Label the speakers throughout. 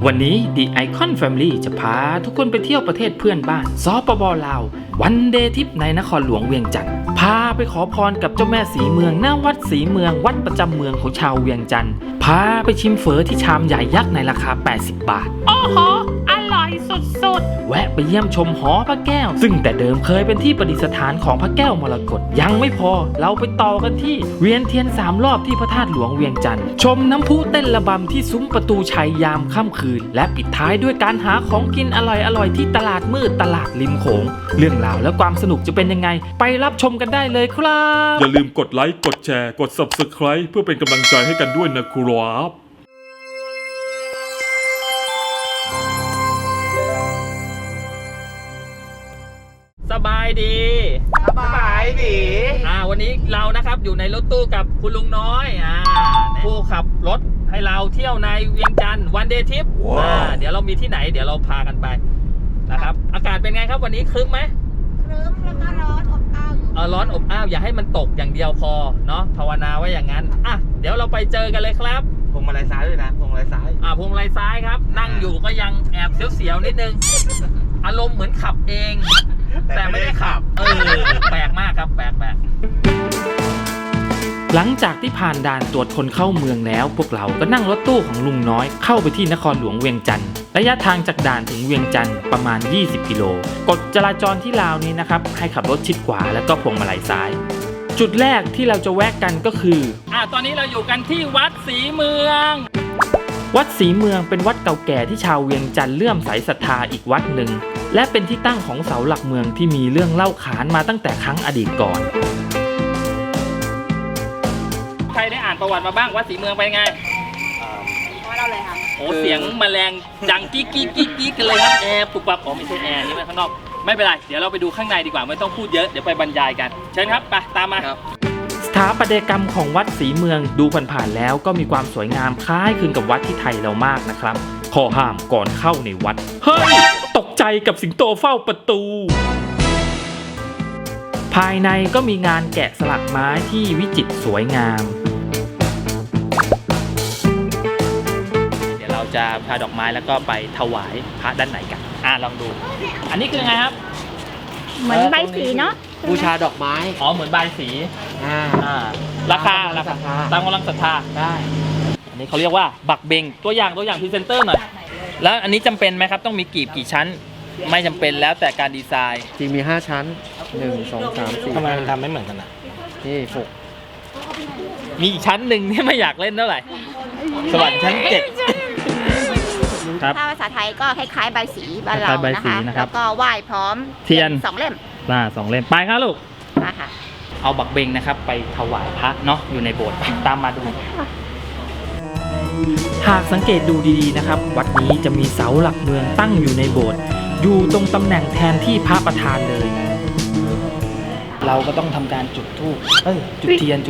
Speaker 1: วันนี้ The Icon Family จะพาทุกคนไปเที่ยวประเทศเพื่อนบ้านสปป.ลาววันเดย์ทริปในนครหลวงเวียงจันทร์พาไปขอพรกับเจ้าแม่สีเมืองณวัดสีเมืองวัดประจำเมืองของชาวเวียงจันทร์พาไปชิมเฝอที่ชามใหญ่ยักษ์ในราคา80 บาทโอ้โหอร่อยสุดๆแวะไปเยี่ยมชมหอพระแก้วซึ่งแต่เดิมเคยเป็นที่ประดิษฐานของพระแก้วมรกตยังไม่พอเราไปต่อกันที่เวียนเทียน3 รอบที่พระธาตุหลวงเวียงจันทร์ชมน้ำพุเต้นระบำที่ซุ้มประตูชัยยามค่ำคืนและปิดท้ายด้วยการหาของกินอร่อยๆที่ตลาดมืดตลาดริมโขงเรื่องราวและความสนุกจะเป็นยังไงไปรับชมกันได้เลยครับ
Speaker 2: อย่าลืมกดไลค์กดแชร์กด Subscribe เพื่อเป็นกำลังใจให้กันด้วยนะครับ
Speaker 1: สบายดีวันนี้เรานะครับอยู่ในรถตู้กับคุณลุงน้อยผู้ขับรถให้เราเที่ยวในเวียงจันทร์วันเดย์ทริปเดี๋ยวเรามีที่ไหนเดี๋ยวเราพากันไปนะครับอากาศเป็นไงครับวันนี้ครึ้มไหม
Speaker 3: ครึ้มแล้วก็ร้อนอบอ้าว
Speaker 1: ร้อนอบอ้าวอย่าให้มันตกอย่างเดียวพอเนาะภาวนาไว้อย่างนั้นเดี๋ยวเราไปเจอกันเลยครับ
Speaker 4: พวงมาลัยซ้ายด้วยนะพวงมาลัยซ้าย
Speaker 1: พวงมาลัยซ้ายครับนั่งอยู่ก็ยังแอบเสียวๆนิดนึงอารมณ์เหมือนขับเองแต่ไม่ได้ขับแปลกมากครับแปลกหลังจากที่ผ่านด่านตรวจคนเข้าเมืองแล้วพวกเราก็นั่งรถตู้ของลุงน้อยเข้าไปที่นครหลวงเวียงจันทร์ระยะทางจากด่านถึงเวียงจันทร์ประมาณ20 กิโลกฎจราจรที่ลาวนี้นะครับให้ขับรถชิดขวาแล้วก็พวงมาลัยซ้ายจุดแรกที่เราจะแวะกันก็คือตอนนี้เราอยู่กันที่วัดศรีเมืองวัดศรีเมืองเป็นวัดเก่าแก่ที่ชาวเวียงจันทร์เลื่อมใสศรัทธาอีกวัดหนึ่งและเป็นที่ตั้งของเสาหลักเมืองที่มีเรื่องเล่าขานมาตั้งแต่ครั้งอดีตก่อนใครได้อ่านประวัติมาบ้างวัดศรีเมืองเป็นไง
Speaker 3: เราเลยค่ะ
Speaker 1: โอ้เสียงแมลงดังกิ๊กกิ๊กกิ๊กกิ๊กกันเลยครับแอร์ปุบปับไม่ใช่แอร์นี่มันข้างนอกไม่เป็นไรเดี๋ยวเราไปดูข้างในดีกว่าไม่ต้องพูดเยอะเดี๋ยวไปบรรยายกันเชิญครับไปตามมาสถาปัตยกรรมของวัดศรีเมืองดูผ่านๆแล้วก็มีความสวยงามคล้ายคลึงกับวัดที่ไทยเรามากนะครับข้อห้ามก่อนเข้าในวัดเฮ้ยตกใจกับสิงโตเฝ้าประตูภายในก็มีงานแกะสลักไม้ที่วิจิตรสวยงามเดี๋ยวเราจะพาดอกไม้แล้วก็ไปถวายพระด้านในกันลองดูอันนี้คือไงครับ
Speaker 3: เหมือนใบสีเนาะ
Speaker 4: บูชาดอกไม้
Speaker 1: เหมือนใบสีราคาตามกำลังศรัทธา
Speaker 4: ได้
Speaker 1: อันนี้เขาเรียกว่าบักเบงตัวอย่างพรีเซนเตอร์หน่อยแล้วอันนี้จำเป็นไหมครับต้องมีกีบกี่ชั้นไม่จำเป็นแล้วแต่การดีไซน์
Speaker 4: จริงมี5ชั้น1 2 3 4
Speaker 1: ทำไมมันทำไม่เหมือนกัน
Speaker 4: นี่
Speaker 1: มีอีกชั้นหนึ่งที่ไม่อยากเล่นเท่าไหร่สวรรค์ชั้น7ครับ
Speaker 3: ถ้าภาษาไทยก็คล้ายๆใบสีบ้านเรานะคะแล้วก็ไหว้พร้อม
Speaker 1: เทียน
Speaker 3: 2 เล่ม
Speaker 1: 2 เล่มไปครับลูก
Speaker 3: มาค่ะ
Speaker 1: เอาบักเบงนะครับไปถวายพระเนาะอยู่ในโบสถ์ตามมาดูหากสังเกตดูดีๆนะครับวัดนี้จะมีเสาหลักเมืองตั้งอยู่ในโบสถ์อยู่ตรงตำแหน่งแทนที่พระประธานเลยเราก็ต้องทำการจุดธูปจุดเทียน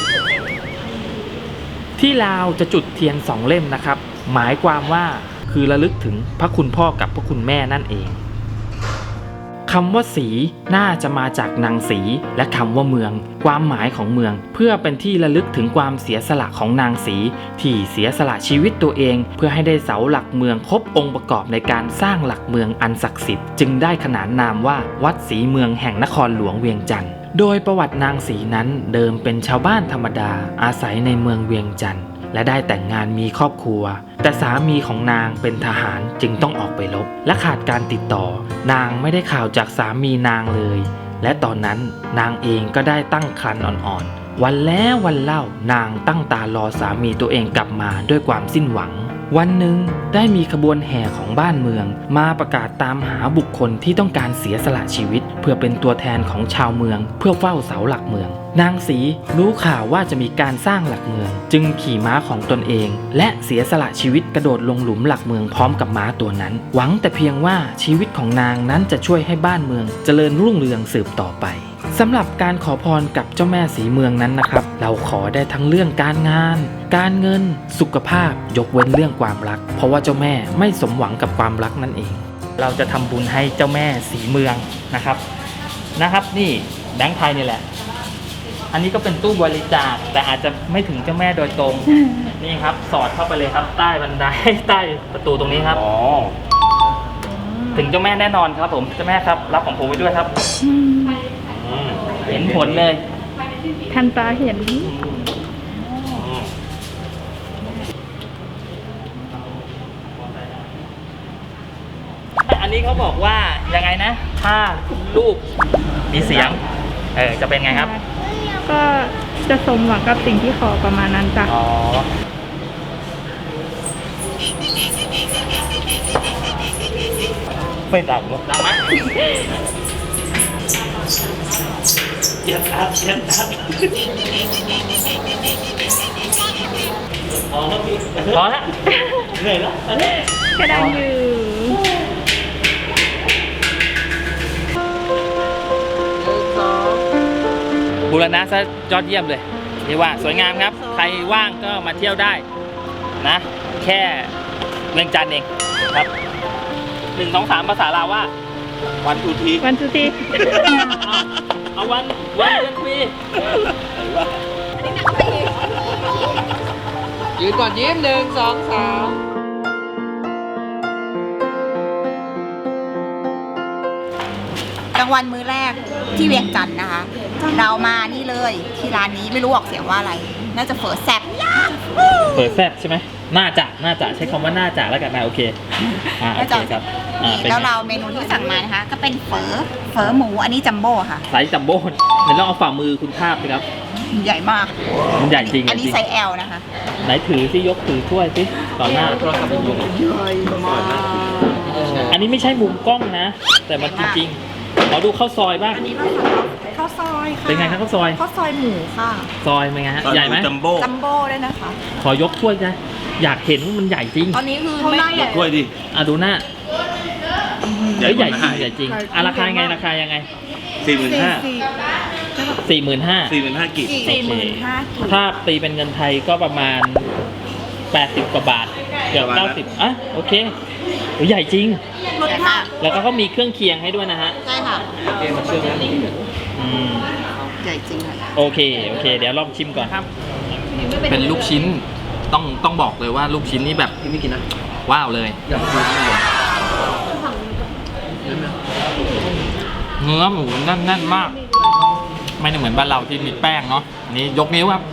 Speaker 1: ที่ลาวจะจุดเทียน2 เล่มนะครับหมายความว่าคือระลึกถึงพระคุณพ่อกับพระคุณแม่นั่นเองคำว่าสีน่าจะมาจากนางสีและคำว่าเมืองความหมายของเมืองเพื่อเป็นที่ระลึกถึงความเสียสละของนางสีที่เสียสละชีวิตตัวเองเพื่อให้ได้เสาหลักเมืองครบองค์ประกอบในการสร้างหลักเมืองอันศักดิ์สิทธิ์จึงได้ขนานนามว่าวัดศรีเมืองแห่งนครหลวงเวียงจันทร์โดยประวัตินางสีนั้นเดิมเป็นชาวบ้านธรรมดาอาศัยในเมืองเวียงจันทร์และได้แต่งงานมีครอบครัวแต่สามีของนางเป็นทหารจึงต้องออกไปรบและขาดการติดต่อนางไม่ได้ข่าวจากสามีนางเลยและตอนนั้นนางเองก็ได้ตั้งครรภ์อ่อนๆวันแล้ววันเล่านางตั้งตารอสามีตัวเองกลับมาด้วยความสิ้นหวังวันหนึ่งได้มีขบวนแห่ของบ้านเมืองมาประกาศตามหาบุคคลที่ต้องการเสียสละชีวิตเพื่อเป็นตัวแทนของชาวเมืองเพื่อเฝ้าเสาหลักเมืองนางสีรู้ข่าวว่าจะมีการสร้างหลักเมืองจึงขี่ม้าของตนเองและเสียสละชีวิตกระโดดลงหลุมหลักเมืองพร้อมกับม้าตัวนั้นหวังแต่เพียงว่าชีวิตของนางนั้นจะช่วยให้บ้านเมืองเจริญรุ่งเรืองสืบต่อไปสำหรับการขอพรกับเจ้าแม่สีเมืองนั้นนะครับเราขอได้ทั้งเรื่องการงานการเงินสุขภาพยกเว้นเรื่องความรักเพราะว่าเจ้าแม่ไม่สมหวังกับความรักนั่นเองเราจะทำบุญให้เจ้าแม่สีเมืองนะครับนี่แบงค์ไทยนี่แหละอันนี้ก็เป็นตู้บริจาคแต่อาจจะไม่ถึงเจ้าแม่โดยตรง นี่ครับสอดเข้าไปเลยครับ ใต้บันได ใต้ประตูตรงนี้ครับ
Speaker 2: อ๋อ
Speaker 1: ถึงเจ้าแม่แน่นอนครับผมเจ้าแม่ครับรับของผมไว้ด้วยครับ เห็นผลเลย
Speaker 5: ทันตาเห็น
Speaker 1: อันนี้เขาบอกว่ายังไงนะ ถ้าลูกมีเสียงจะเป็นไงครับ
Speaker 5: ก็จะสมหวังกับสิ่งที่ขอประมาณนั้นจ้ะ
Speaker 1: อ๋อไม่ดังหรอกดังไหมเย็นทัดพอแล้วเหนื่อยแล้วอันนี้
Speaker 5: ก็ดังอยู่
Speaker 1: บูรณะซะยอดเยี่ยมเลยเรียกว่าสวยงามครับ ใครว่างก็มาเที่ยวได้นะ แค่เมืองจันทร์เองครับ1 2 3ภาษาลาวว่า
Speaker 4: วันทูที
Speaker 5: วันสุที
Speaker 1: เอาวันเดือนปี
Speaker 4: ยืนก่อนยิ้ม1 2 3
Speaker 3: กลางวันมื้อแรกที่เวียงจันทร์นะคะ เรามานี่เลยที่ร้านนี้ไม่รู้ออกเสียงว่าอะไร น่าจะเฝอแซ่บ
Speaker 1: เปิดแฟบใช่ไหมน่าจะใช้คำว่าน่าจะแล้วกันนะโอเคโอเคครับเป็น
Speaker 3: แล้วเราเมนูที่สั่งมานะคะ ก็เป็นเฝอหมูอันนี้จัมโบ้ค่ะ
Speaker 1: ไซส์จัมโบ้เดี๋ยวลองเอาฝ่ามือคุณทาบสิครับ
Speaker 3: ใหญ่มาก
Speaker 1: มันใหญ่จริง
Speaker 3: อันนี้
Speaker 1: จริง
Speaker 3: ไซส์ L นะคะ
Speaker 1: ไหนถือสิยกถือถ้วยสิต่อหน้า
Speaker 3: ใหญ่มาก
Speaker 1: อันนี้ไม่ใช่มุมกล้องนะ แต่มันจริงๆขอดูข้าวซอยบ้าง
Speaker 3: อันนี้เราสั่งข้าวซอยค่ะ
Speaker 1: เป็นไงครับข้าวซอย
Speaker 3: ข้าวซอยหมูค่ะ
Speaker 1: ซอยเป็นไงฮะใหญ่ไหม
Speaker 2: จัมโบ้
Speaker 3: จัมโบ้ด้วยนะคะ
Speaker 1: ขอยกถ้วยนะอยากเห็นว่ามันใหญ่จริง
Speaker 3: ตอนนี้คือไม่ใหญ่
Speaker 2: ถ้วยดิ
Speaker 1: ดูหน้า
Speaker 2: ใหญ่
Speaker 1: เฮ้ย
Speaker 2: ก
Speaker 1: ใหญ่
Speaker 2: ว่า
Speaker 1: จริง
Speaker 2: นะ
Speaker 1: ใหญ่จริงราคาไงราคายังไง
Speaker 2: 45,000
Speaker 1: 45,000
Speaker 2: กีบ
Speaker 3: 45,000
Speaker 1: ถ้าตีเป็นเงินไทยก็ประมาณ80 กว่าบาทเกือบ
Speaker 2: ประมาณนั้น
Speaker 1: 90โอเคโอ้ยใหญ่จริง
Speaker 3: รสชาติ
Speaker 1: แล้วก็เขามีเครื่องเคียงให้ด้วยนะฮะ
Speaker 3: ใช่ค่ะ
Speaker 1: อืม
Speaker 3: ใหญ่จริงค่ะ
Speaker 1: โอเคเดี๋ยวลองชิมก่อนครับ เป็นลูกชิ้นต้องบอกเลยว่าลูกชิ้นนี่แบบ
Speaker 4: พี่ไม่กินนะ
Speaker 1: ว้าวเลย
Speaker 4: อยากกินไม่เลย
Speaker 1: เนื้อหมูแน่นๆมาก ไม่ได้เหมือนบ้านเราที่มีแป้งเนาะอันนี้ยกนิ้วครับ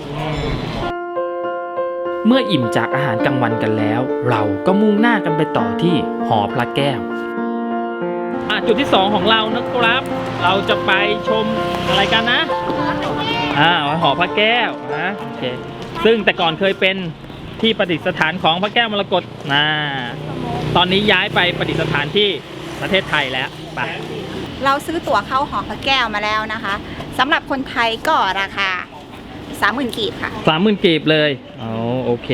Speaker 1: เมื่ออิ่มจากอาหารกลางวันกันแล้ว เราก็มุ่งหน้ากันไปต่อที่หอพระแก้วจุดที่ 2 ของเรานะครับ เราจะไปชมอะไรกันนะหอพระแก้วนะโอเคซึ่งแต่ก่อนเคยเป็นที่ประดิษฐานของพระแก้วมรกตตอนนี้ย้ายไปประดิษฐานที่ประเทศไทยแล้วไป
Speaker 3: เราซื้อตั๋วเข้าหอพระแก้วมาแล้วนะคะสำหรับคนไทยก็ราคา 30,000 กีบค่ะ
Speaker 1: 30,000 กีบเลยอ๋อโอเค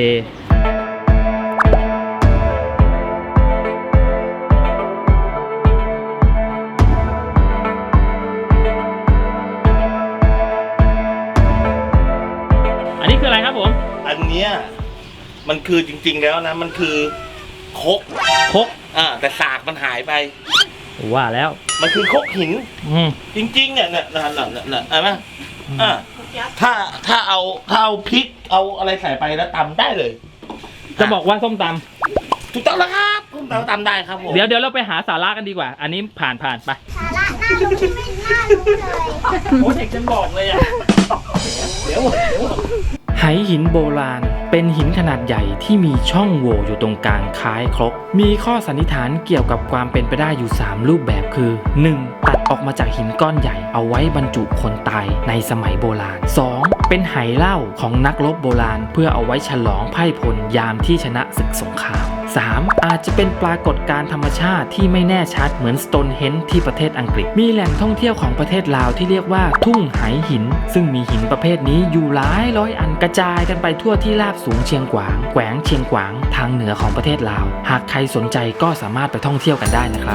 Speaker 1: อันนี้คืออะไรครับผม
Speaker 6: อันเนี้ยมันคือจริงๆแล้วนะมันคือคก
Speaker 1: คก
Speaker 6: แต่สากมันหายไป
Speaker 1: ว่าแล้ว
Speaker 6: มันคือคกหิน
Speaker 1: อืม
Speaker 6: จริงๆเนี่ยน่ะเห็นไหมถ้าเอาพริกเอาอะไรใส่ไปแล้วตำได้เลย
Speaker 1: จะบอกว่าส้มต
Speaker 6: ถูกต้องแล้วครับผมตำได้ครับผม
Speaker 1: ำเดี๋ยวเราไปหาสาระกันดีกว่า อันนี้ผ่านไปสาระน่ารู้ไม่น่ารู้เลยโอ้เด็กจะบอกเลยอ่ะเดี๋ยวไหหินโบราณเป็นหินขนาดใหญ่ที่มีช่องโหว่อยู่ตรงกลางคล้ายครกมีข้อสันนิษฐานเกี่ยวกับความเป็นไปได้อยู่ 3 รูปแบบคือ 1. ตัดออกมาจากหินก้อนใหญ่เอาไว้บรรจุคนตายในสมัยโบราณ 2. เป็นไหเหล้าของนักรบโบราณเพื่อเอาไว้ฉลองไพร่พลยามที่ชนะศึกสงคราม 3. อาจจะเป็นปรากฏการณ์ธรรมชาติที่ไม่แน่ชัดเหมือนสโตนเฮนจ์ที่ประเทศอังกฤษมีแหล่งท่องเที่ยวของประเทศลาวที่เรียกว่าทุ่งไหหินซึ่งมีหินประเภทนี้อยู่หลายร้อยอันกระจายกันไปทั่วที่ราบสูงเชียงขวางแขวงเชียงขวางทางเหนือของประเทศลาวหากใครสนใจก็สามารถไปท่องเที่ยวกันได้นะครับ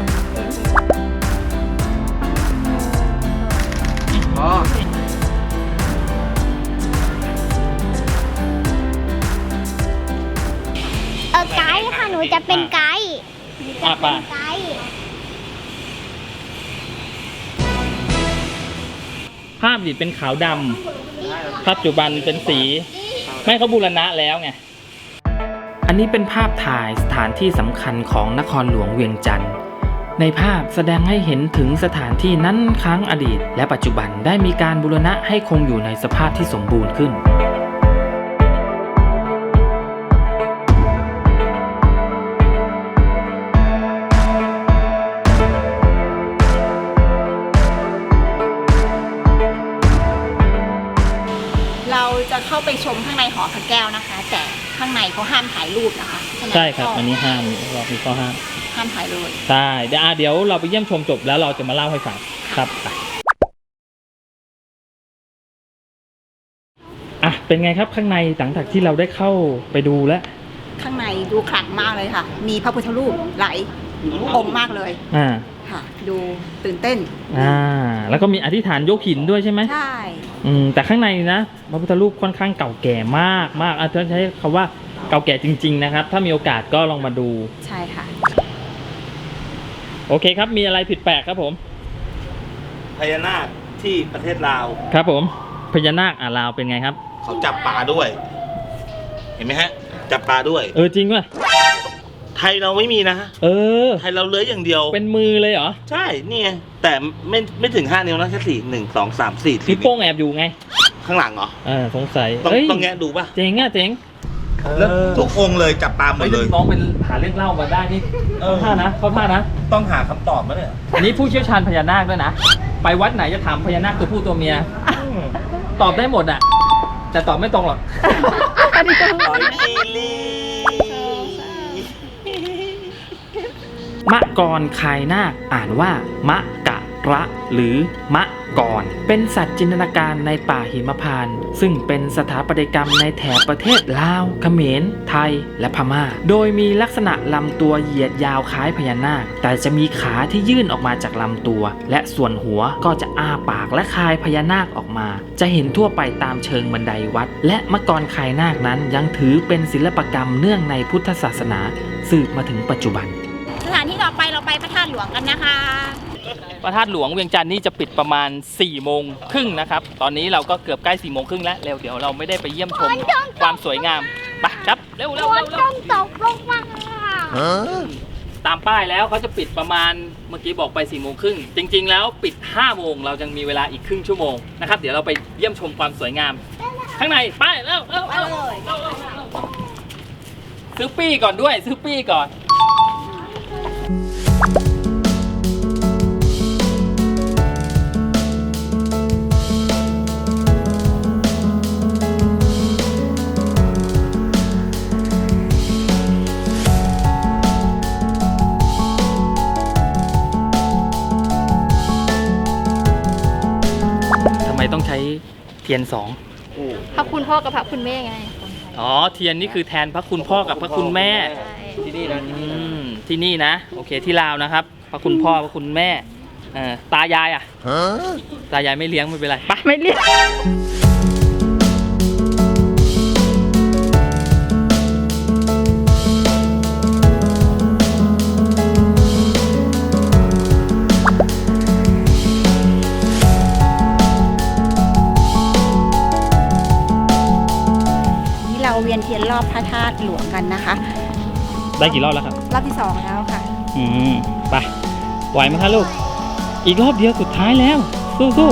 Speaker 4: อ๋อ
Speaker 7: ไกด์ค่ะ หนูจะเป็นไกด์
Speaker 1: ป่ะ
Speaker 7: ไกด์
Speaker 1: ภาพอดีตเป็นขาวดำปัจจุบันเป็นสี ไม่เขาบูรณะแล้วไง อันนี้เป็นภาพถ่ายสถานที่สำคัญของนครหลวงเวียงจันทร์ในภาพแสดงให้เห็นถึงสถานที่นั้นครั้งอดีต และปัจจุบันได้มีการบูรณะให้คงอยู่ในสภาพที่สมบูรณ์ขึ้น
Speaker 3: เราจะเข้าไปชมข้างในหอพระแก้วนะคะ แต่ข้างในเขาห้ามถ่ายรูปนะคะฉะนั้น
Speaker 1: ใช่ครับ
Speaker 3: ก็
Speaker 1: อันนี้ห้ามเรามีข้อห้าม
Speaker 3: ห้ามถ่ายรูป
Speaker 1: ใช่เดี๋ยวเราไปเยี่ยมชมจบแล้วเราจะมาเล่าให้ฟังครับไปอ่ะเป็นไงครับข้างในหลังจากที่เราได้เข้าไปดูแล้ว
Speaker 3: ข้างในดูขลังมากเลยค่ะ มีพระพุทธรูปหลายองค์มากเลย ค่ะ ดูตื่นเต้น
Speaker 1: แล้วก็มีอธิษฐานยกหินด้วยใช่ไหม
Speaker 3: ใช่
Speaker 1: แต่ข้างในนะพระพุทธรูปค่อนข้างเก่าแก่มากมากจะใช้คำว่าเก่าแก่จริงๆนะครับถ้ามีโอกาสก็ลองมาดู
Speaker 3: ใช่ค่ะ
Speaker 1: โอเคครับมีอะไรผิดแปลกครับผม
Speaker 6: พญานาคที่ประเทศลาว
Speaker 1: ครับผมพญานาคลาวเป็นไงครับ
Speaker 6: เขาจับปลาด้วย เห็นไหมฮะ จับปลาด้วย
Speaker 1: จริงป่ะ
Speaker 6: ไทยเราไม่มีนะ ไทยเราเลื้อยอย่างเดียว
Speaker 1: เป็นมือเลยเหรอ
Speaker 6: ใช่นี่ไงแต่ไม่ถึง5 นิ้วนะแค่4 1 2 3 4
Speaker 1: นิ้วโป้งแอบอยู่ไง
Speaker 6: ข้างหลังเหรอ
Speaker 1: สงสัย
Speaker 6: ต้องแงะดูป่ะ
Speaker 1: เจ๋งเจ๋ง
Speaker 6: แล้วทุกองค์เลยจับปลาหมดเลย
Speaker 1: น้องเป็นหาเรื่องเล่ามาได้นี่เข้าท่านะ
Speaker 6: ต้องหาคำตอบมาเนี่ย
Speaker 1: อันนี้ผู้เชี่ยวชาญพญานาคด้วยนะไปวัดไหนจะถามพญานาคตัวผู้ตัวเมียตอบได้หมดอ่ะแต่ตอบไม่ตรงหรอก มะกรคายนาคอ่านว่ามะกะระหรือมะกรเป็นสัตว์จินตนาการในป่าหิมพานต์ซึ่งเป็นสถาปัตยกรรมในแถบประเทศลาวเขมรไทยและพม่าโดยมีลักษณะลำตัวเหยียดยาวคล้ายพญานาคแต่จะมีขาที่ยื่นออกมาจากลำตัวและส่วนหัวก็จะอ้าปากและคายพญานาคออกมาจะเห็นทั่วไปตามเชิงบันไดวัดและมะกรคายนาคนั้นยังถือเป็นศิลปกรรมเนื่องในพุทธศาสนาสืบมาถึงปัจจุบัน
Speaker 3: สถานที่ต่อไปเราไปพระธาตุหลวงกันนะคะ
Speaker 1: พระธาตุหลวงเวียงจันทร์นี่จะปิดประมาณ4 โมงครึ่งนะครับตอนนี้เราก็เกือบใกล้4 โมงครึ่งแล้วเร็วเดี๋ยวเราไม่ได้ไปเยี่ยมชมความสวยงามไปครับเร็ว
Speaker 7: ต้องตกลงมา
Speaker 1: ตามป้ายแล้วเขาจะปิดประมาณเมื่อกี้บอกไป4 โมงครึ่งจริงๆแล้วปิด5 โมงเรายังมีเวลาอีกครึ่งชั่วโมงนะครับเดี๋ยวเราไปเยี่ยมชมความสวยงามข้างในไปเร็วซื้อปี้ก่อนด้วยซื้อปี้ก่อนทำไมต้องใช้เทียน2
Speaker 5: พระคุณพ่อกับพระคุณแม่ไง
Speaker 1: เทียนนี่คือแทนพระคุณพ่อกับพระคุณแม่ที่นี่นะที่นี่นะโอเคที่ลาวนะครับพระคุณพ่อพระคุณแม่ตายายตายายไม่เลี้ยงไม่เป็นไรไป
Speaker 5: ไม่เรียก
Speaker 3: เราเวียนเทียนรอบพระธาตุหลวงกันนะคะ
Speaker 1: ได้กี่รอบแล้วครับ
Speaker 3: รอบที่2แล้วค่ะ
Speaker 1: ไปไหวไหมคะลูกอีกรอบเดียวสุดท้ายแล้วสู้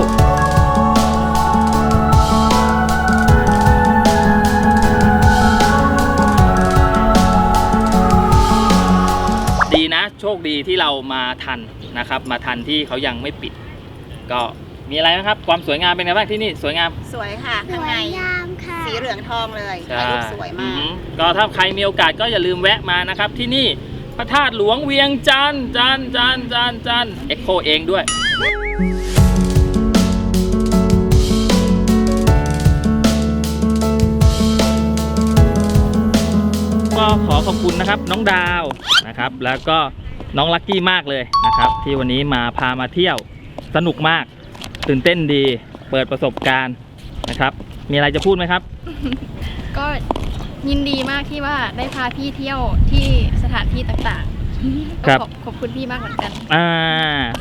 Speaker 1: ดีนะโชคดีที่เรามาทันนะครับมาทันที่เขายังไม่ปิดก็มีอะไรนะครับความสวยงามเป็นไงบ้างที่นี่สวยงาม
Speaker 3: สวยค่ะข้างในสีเหลืองทองเลยถ่ายรูปสวยมาก
Speaker 1: ก็ถ้าใครมีโอกาสก็อย่าลืมแวะมานะครับที่นี่พระธาตุหลวงเวียงจันทร์เอ็กโคเองด้วยก็ขอขอบคุณนะครับน้องดาวนะครับแล้วก็น้องลักกี้มากเลยนะครับที่วันนี้พามาเที่ยวสนุกมากตื่นเต้นดีเปิดประสบการณ์นะครับมีอะไรจะพูดไหมครับ
Speaker 5: ก็ยินดีมากที่ว่าได้พาพี่เที่ยวที่สถานที่ต่างๆก็ขอบคุณพี่มากเหมือนกัน
Speaker 1: ขอบคุณค่ะ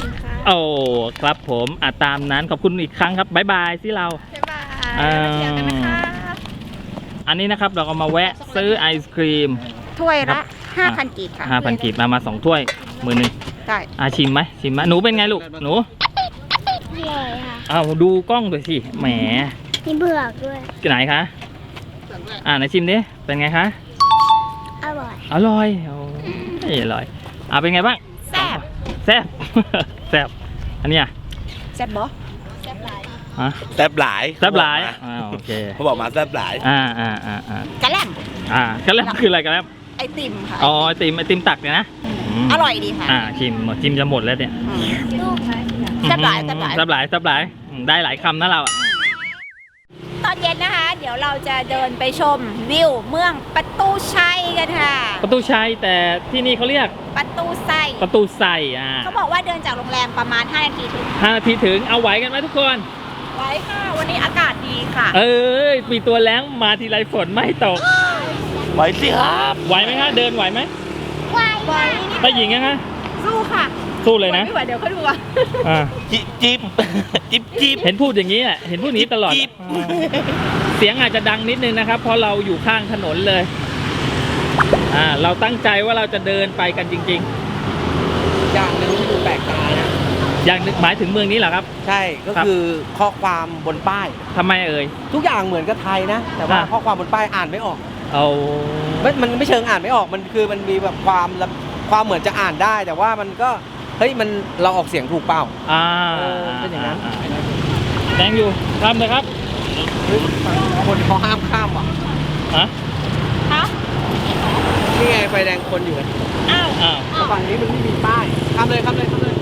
Speaker 1: โอ้ครับผมตามนั้นขอบคุณอีกครั้งครับบ๊ายบายที่เรา
Speaker 5: บ๊ายบาย
Speaker 1: อ่า
Speaker 5: แล้วเจอกันนะคะ
Speaker 1: อันนี้นะครับเราก็มาแวะซื้อไอศครีม
Speaker 3: ถ้วย
Speaker 1: ครั
Speaker 3: ละ
Speaker 1: บ
Speaker 3: 5,000 กีบค่ะ
Speaker 1: 5,000 กีบมา2 ถ้วยมือหนึ่ง
Speaker 3: ใช่
Speaker 1: ชิมไหมหนูเป็นไงลูกหนู
Speaker 7: เลยค่ะ
Speaker 1: อ้าวดูกล้องด้วยสิแหม
Speaker 7: มีเบือกด้วย
Speaker 1: ไหนคะไหนชิมดิเป็นไงคะ
Speaker 7: อร่อย
Speaker 1: อร่อยโอ้ยอร่อยเป็นไงบ้าง
Speaker 3: แซ่บ
Speaker 1: แซ่บ แซ่บอันเนี้ย
Speaker 3: แซ่บบ่
Speaker 1: ฮะ
Speaker 6: แซ่บหลาย
Speaker 1: แซ่บหลายโอเค
Speaker 6: เขาบอกมาแซ่บหลาย
Speaker 3: กะแหล่ม
Speaker 1: กระแลมคืออะไรกระแลม
Speaker 3: ไอติมค่ะ
Speaker 1: อ๋อไอติมตักเนี่ยนะม
Speaker 3: อร่อยดีค่ะ
Speaker 1: ชิมจะหมดแล้วเนี่ย
Speaker 3: แซ่บหลายแซ่บหลาย
Speaker 1: แซ่บหลายแซ่บหลายได้หลายคำนะเราอะ
Speaker 3: ตอนเย็นนะคะ เดี๋ยวเราจะเดินไปชมวิวเมืองประตูชัยกันค่ะ
Speaker 1: ประตูชัยแต่ที่นี่เขาเรียก
Speaker 3: ประตูไซ
Speaker 1: ประตูใส่
Speaker 3: เขาบอกว่าเดินจากโรงแรมประมาณ5 นาทีถึง
Speaker 1: 5 นาทีถึงเอาไหวกันไหมทุกคน
Speaker 3: ไว้ค่ะ วันนี้อากาศดีค่ะ
Speaker 1: ปีตัวแล้งมาทีไรฝนไม่ตก
Speaker 6: ไหวสิครับ
Speaker 1: ไหวไหมคะเดินไหวไหม
Speaker 3: ไว้
Speaker 1: ไปหญิงยังคะ
Speaker 3: สู้ค่ะ
Speaker 1: สู้เลยนะ
Speaker 3: ไม่ไหวเดี๋ยวเขาดูอ่ะ
Speaker 1: อ่า
Speaker 6: จิ๊บจิ๊บจิ๊บ
Speaker 1: เห็นพูดอย่างนี้แหละเห็นพูดอย่างนี้ตลอด
Speaker 6: จิ๊บ
Speaker 1: เสียงอาจจะดังนิดนึงนะครับ เพราะเราอยู่ข้างถนนเลยเราตั้งใจว่าเราจะเดินไปกันจริง
Speaker 4: อย่างหนึ่งที่ดูแปลกตานะ
Speaker 1: ๆ อย่างหมายถึงเมืองนี้เหรอครับ
Speaker 4: ใช่ก็คือข้อความบนป้าย
Speaker 1: ทำไมเอ่ย
Speaker 4: ทุกอย่างเหมือนกับไทยนะ แต่ว่า
Speaker 1: อ่ะ
Speaker 4: ข้อความบนป้ายอ่านไม่ออก
Speaker 1: เอา
Speaker 4: มันไม่เชิงอ่านไม่ออกมันคือมันมีแบบความเหมือนจะอ่านได้ แต่ว่ามันก็เฮ้ยมันเราออกเสียงถูกเปล่า เป็นอย่างนั้น
Speaker 1: แดงอยู่ทำเลยครับ
Speaker 4: คนเขาห้ามข้ามว่ะ
Speaker 1: ฮะ
Speaker 4: นี่ไงไฟแดงคนอยู่
Speaker 1: อ้าว
Speaker 4: แต่ฝั่งนี้มันไม่มีป้ายข้ามเลยข้ามเลยข้ามเลย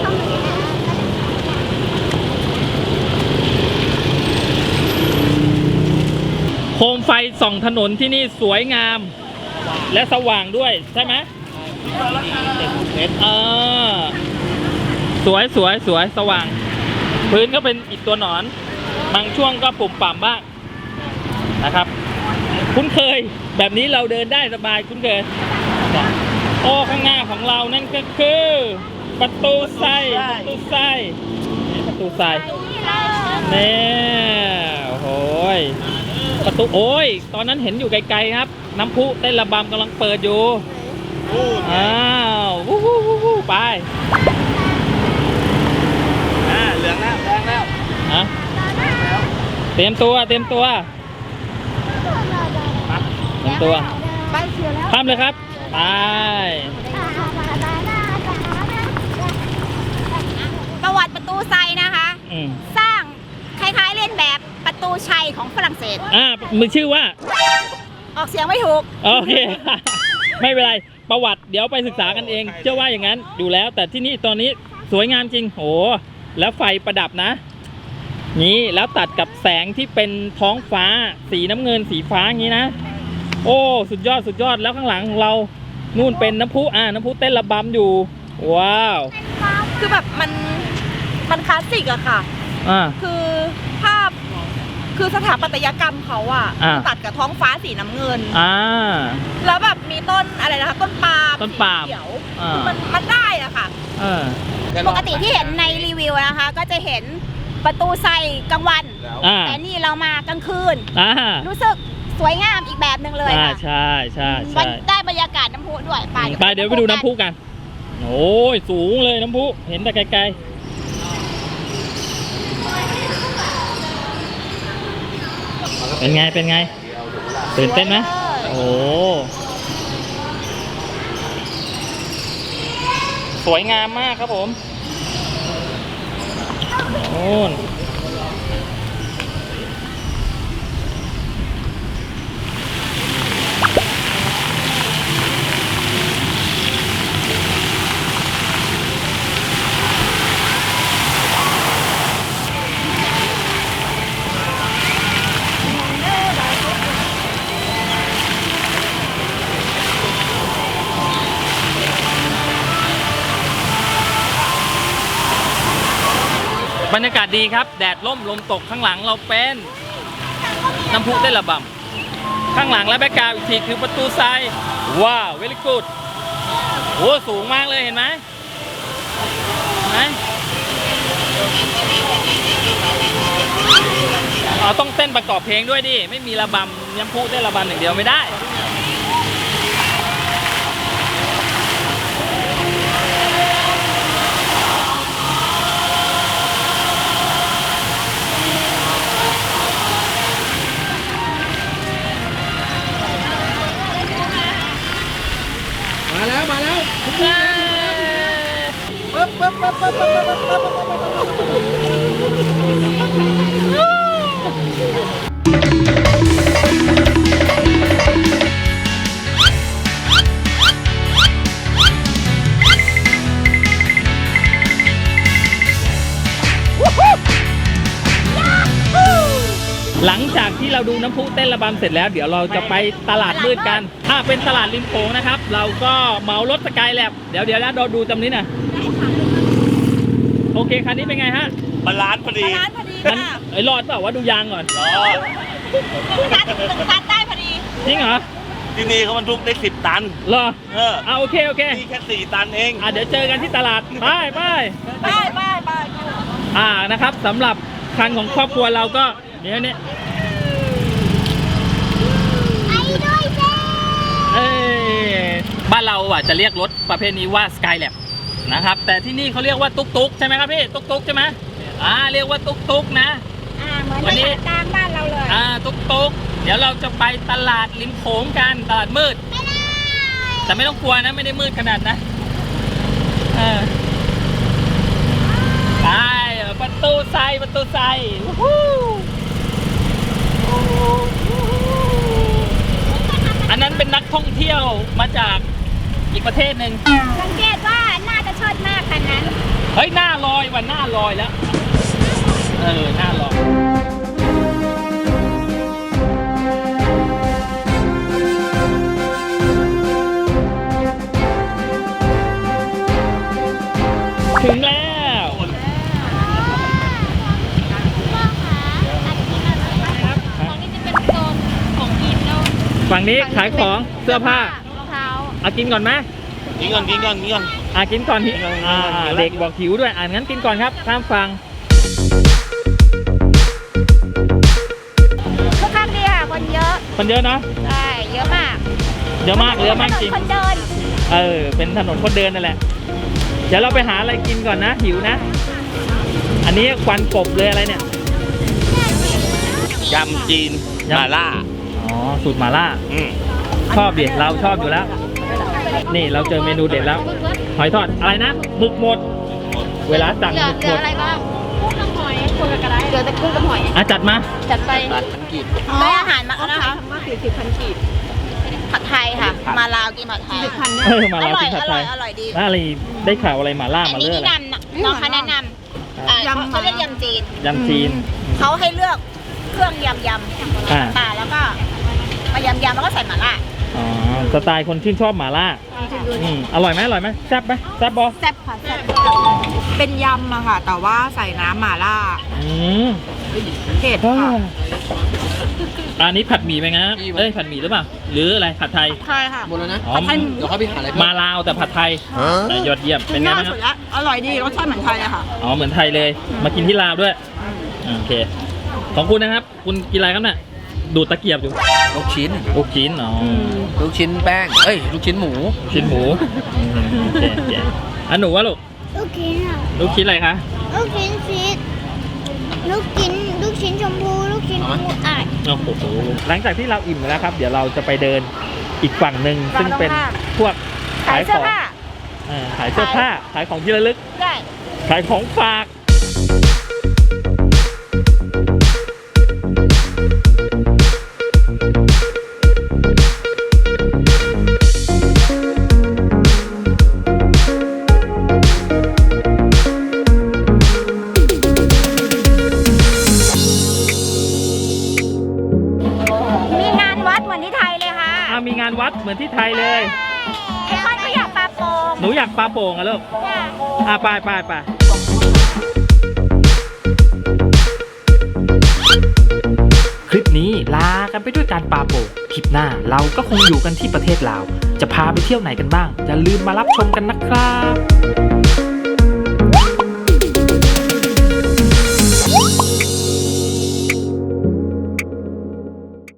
Speaker 1: โคมไฟส่องถนนที่นี่สวยงาม และสว่างด้วยใช่ไหมสวยสว่าง พื้นก็เป็นอิฐตัวหนอน บางช่วงก็ปุ่มป่ำบ้างนะครับ คุ้นเคยแบบนี้เราเดินได้สบายคุ้นเคยโอ้ข้างหน้าของเรานั่นก็คือประตูไส้นี่โอ้ยประตูโอ้ยตอนนั้นเห็นอยู่ไกลๆครับ น้ำพุเต้นระบำกำลังเปิดอยู่อ้าววู้ไป
Speaker 6: เหลืองแล้วแดงแล้ว
Speaker 1: เตรียมตัว
Speaker 7: ไปเชียวแล้ว
Speaker 1: ข้ามเลยครับไป
Speaker 3: ประวัติประตูไซนะคะ สร้างคล้ายๆเล่นแบบประตูชัยของฝรั่งเศส
Speaker 1: มือชื่อว่า
Speaker 3: ออกเสียงไม่ถูก
Speaker 1: โอเค ไม่เป็นไรประวัติเดี๋ยวไปศึกษากันเองเชื่อว่าอย่างนั้นอยู่แล้ว แต่ที่นี่ตอนนี้สวยงามจริงโหแล้วไฟประดับนะนี่แล้วตัดกับแสงที่เป็นท้องฟ้าสีน้ำเงินสีฟ้าอย่างนี้นะโอ้สุดยอดแล้วข้างหลังของเรานู่นเป็นน้ำพุน้ำพุเต้นระบำอยู่ว้าว
Speaker 3: คือแบบมันคลาสสิกอะค่ะ คือภาพคือสถาปัตยกรรมเขาอะตัดกับท้องฟ้าสีน้ำเงินแล้วแบบมีต้นอะไรนะคะต้นปาล์มสีเขียวคือมันได้อะค่ะปกติที่เห็นในรีวิวนะคะ ก็จะเห็นประตูไซกลางวันแต่นี่เรามากลางคืนรู้สึกสวยงามอีกแบบหนึ่งเลยค่ะ
Speaker 1: ใช่
Speaker 3: ได้บรรยากาศน้ำพุด้วย
Speaker 1: ไปเดี๋ยวไปดูน้ำพุกันโอ้ยสูงเลยน้ำพุเห็นแต่ไกลๆเป็นไงตื่นเต้นไหมโอ้สวยงามมากครับผมโอ้นบรรยากาศดีครับแดดร่มลมตกข้างหลังเราเป็นน้ำพุเต้นระบำข้างหลังและแบ็คกราวด์อีกทีคือประตูทรายว้าวเวลิกูดโอ้สูงมากเลยเห็นไหมต้องเต้นประกอบเพลงด้วยดิ ไม่มีระบำน้ำพุเต้นระบำอย่างเดียวไม่ได้
Speaker 4: มาแล้ว
Speaker 1: หลังจากที่เราดูน้ำพุเต้นระบำเสร็จแล้วเดี๋ยวเราจะไปตลาดมืดกันเป็นตลาดริมโขงนะครับ เราก็เหมารถสกายแลบเดี๋ยวนะเราดูจำนี้นะโอเคคันนี้เป็นไงฮะ
Speaker 6: บาลานซ์พอดี
Speaker 3: ร้านพอดี
Speaker 1: มัน
Speaker 3: ค่ะ
Speaker 1: รอดเปล่าว่าดูยางก่อน
Speaker 6: รอด
Speaker 3: ตัดได้พอดี
Speaker 1: จริงเหรอ
Speaker 6: ที่นี่เขาบรรทุกได้10 ตัน
Speaker 1: เหรอ
Speaker 6: โ
Speaker 1: โอเค
Speaker 6: นี่แค่4 ตันเอง
Speaker 1: เดี๋ยวเจอกันที่ตลาดไป
Speaker 3: ไป
Speaker 1: นะครับสำหรับคันของครอบครัวเราก็เดี๋ยวนี้
Speaker 7: ไอ้ด้วยเจ้
Speaker 1: บ้านเราจะเรียกรถประเภทนี้ว่า Skylab นะครับแต่ที่นี่เขาเรียกว่าตุ๊กใช่ไหมครับพี่ตุ๊กใช่ไหมเรียกว่าตุ๊กนะ
Speaker 7: เหมือน
Speaker 1: วันนี้
Speaker 7: กลางบ้านเราเลย
Speaker 1: ตุ๊กเดี๋ยวเราจะไปตลาดริมโขงกันตลาดมืดแต่ไม่ต้องกลัวนะไม่ได้มืดขนาดนะไปประตูไซอันนั้นเป็นนักท่องเที่ยวมาจากอีกประเทศหนึ่ง
Speaker 7: สังเกตว่าน่าจะชดมากคันนั้น
Speaker 1: เฮ้ยหน้าลอยวันหน้าลอยแล้วหน้าลอยถึงแล้ว
Speaker 5: พ่อคะอันนี้อะไรคะตรงนี้จะเป็นโซนของกินแล้ว
Speaker 1: ฝั่งนี้ขายของเสื้อผ้าร
Speaker 5: องเท้า
Speaker 1: กินก่อนไหม
Speaker 6: กินก่อน
Speaker 1: กินก่อนเด็กบอกหิวด้วยงั้นกินก่อนครับข้ามฟัง
Speaker 7: ค่อนข้างดีค่ะคนเยอะ
Speaker 1: คนเยอะเนาะ
Speaker 7: ใช่เยอะมาก
Speaker 1: เยอะมากจริง
Speaker 7: คนเดิน
Speaker 1: เป็นถนนคนเดินนั่นแหละเดี๋ยวเราไปหาอะไรกินก่อนนะหิวนะ อันนี้ควันกบเลยอะไรเนี่ย
Speaker 6: ยำจีนมาล่า
Speaker 1: สูตรหม่าล่าชอบดิเราชอบอยู่แล้ว นี่เราเจอเมนูเด็ดแล้วหอยทอดอะไรนะหมึกหมด เวลาสั่ง
Speaker 5: เหลื
Speaker 1: ห
Speaker 5: อ
Speaker 1: มึก
Speaker 5: เหลื
Speaker 1: หม
Speaker 5: อ
Speaker 1: ด
Speaker 5: อะไรบ้างกุ้งกับหอยคนละกระไดเหลือแต่กุ้งกับหอย
Speaker 1: จัดมา
Speaker 5: จัดไป
Speaker 3: ได้อาหารมานะคะ40,000 กีบผัดไทยค่ะ มาลาวกินผัดไทย
Speaker 1: มาเรากินผัดไทย
Speaker 3: อร่อยดี
Speaker 1: อะไรได้ข่าวอะไรหม่าล่า
Speaker 3: อัน
Speaker 1: มา
Speaker 3: นี้
Speaker 1: เลือก
Speaker 3: แนะนำน้องเขาแนะนำเขาเรียกยำจีน
Speaker 1: ยำจีน
Speaker 3: เขาให้เลือกเครื่องยำป่าแล้วก็มายำแล้วก็ใส่หม่าล่า
Speaker 1: สไตล์คนชื่นชอบหม่าล่าอร่อยไหมแซ่บไหมแซ่บบอ
Speaker 3: แซ่บค่ะแซ่บเป็นยำอะค่ะ แต่ว่าใส่น้ำหม่าล่าเผ็ดค่ะ
Speaker 1: อันนี้ผัดหมี่ไหมนะผัดหมี่หรือเปล่าหรืออะไรผัดไทย
Speaker 3: ใช่ค่ะ
Speaker 4: หมดแล้วนะ
Speaker 1: อ๋อ
Speaker 4: เดี๋ยวเขาไปหาอะไร
Speaker 1: มาลาวแต่ผัดไทยยอดเยี่ยมเป็นไงบ้างครับ
Speaker 3: อร่อยดีรสชาติเหมือนไทยเลยค่ะ
Speaker 1: เหมือนไทยเลยมากินที่ลาวด้วยโอเคของคุณนะครับคุณกินอะไรครับเนี่ยดูดตะเกียบอยู่
Speaker 4: ลูกชิ้น
Speaker 1: ลูกชิ้น
Speaker 4: ลูกชิ้นแป้งลูกชิ้นหมู
Speaker 1: ชิ้นหมูโอเคอันหนูวะลูก
Speaker 7: ลูกชิ้นอ่ะ
Speaker 1: ลูกชิ้นอะไรคะ
Speaker 7: ลูกชิ้นชีสลูกชิ้นชมพูลูกชิ้นปูอัด
Speaker 1: โอ้โหหลังจากที่เราอิ่มแล้วครับ เดี๋ยวเราจะไปเดินอีกฝั่งหนึ่งซึ่งเป็นพวก
Speaker 3: ขายเสื้อผ้า
Speaker 1: ขายเสื้อผ้าขายของที่ระลึก
Speaker 3: ได้
Speaker 1: ขายของฝาก
Speaker 7: มีงานวัดเหมือนที่ไทยเลยค่ะ
Speaker 1: มีงานวัดเหมือนที่ไทยเลย
Speaker 7: ไอ้ค่อยก็อยากปลาโป่ง
Speaker 1: หนูอยากปลาโป่งอะลูกไปคลิปนี้ลากันไปด้วยการปลาโป่งคลิปหน้าเราก็คงอยู่กันที่ประเทศลาวจะพาไปเที่ยวไหนกันบ้างอย่าลืมมารับชมกันนะครับ